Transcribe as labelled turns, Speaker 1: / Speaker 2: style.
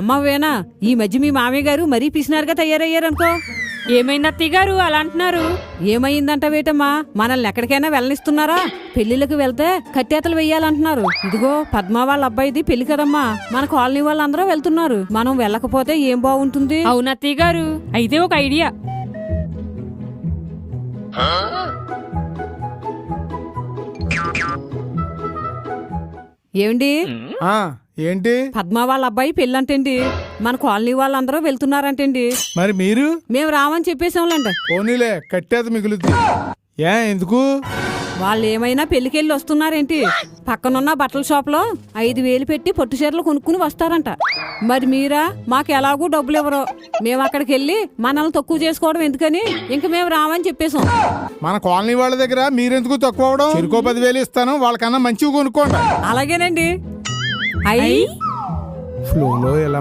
Speaker 1: అమ్మవేనా ఈ మధ్య మీ మామయ్య గారు మరీ పిసినారుగా తయారయ్యారనుకో.
Speaker 2: ఏమైంది అత్తయ్య గారు అలా అంటున్నారు?
Speaker 1: ఏమైందంటవేటమ్మా, మనల్ని ఎక్కడికైనా వెళ్ళనిస్తున్నారా? పెళ్లిళ్ళకి వెళ్తే కట్టేతలు వెయ్యాలంటున్నారు. ఇదిగో పద్మ వాళ్ళ అబ్బాయిది పెళ్లి కదమ్మా, మన కాలనీ వాళ్ళందరూ వెళ్తున్నారు. మనం వెళ్ళకపోతే ఏం బాగుంటుంది?
Speaker 2: అవును అత్తయ్య గారు, అయితే ఒక ఐడియా.
Speaker 1: ఏమండి,
Speaker 3: ఏంటి?
Speaker 1: పద్మ వాళ్ళ అబ్బాయి పెళ్ళంటండి, మన కాలనీ వాళ్ళందరూ వెళ్తున్నారంటండి.
Speaker 3: మరి మీరు?
Speaker 1: మేము రామని చెప్పేసాంలేండి.
Speaker 3: పోనీలే, కట్టేత మిగులుద్ది. ఎందుకు?
Speaker 1: వాళ్ళు ఏమైనా పెళ్లికెళ్ళి వస్తున్నారేంటి? పక్కనున్న బట్టల షాప్ లో 5,000 పెట్టి పొట్టు చీరలు కొనుక్కుని వస్తారంట. మరి మీరా? మాకు ఎలాగూ డబ్బులు ఇవ్వరు. మేము అక్కడికి వెళ్ళి మనల్ని తక్కువ చేసుకోవడం ఎందుకని ఇంక మేము రామని చెప్పేసాం.
Speaker 3: మన కాలనీ వాళ్ళ దగ్గర మీరెందుకు తక్కువ అవడం? చెరుకో 10,000 ఇస్తాను, వాళ్ళకన్నా మంచివి కొనుక్కోండి.
Speaker 1: అలాగేనండి.
Speaker 3: ఫ్లోలో ఎలా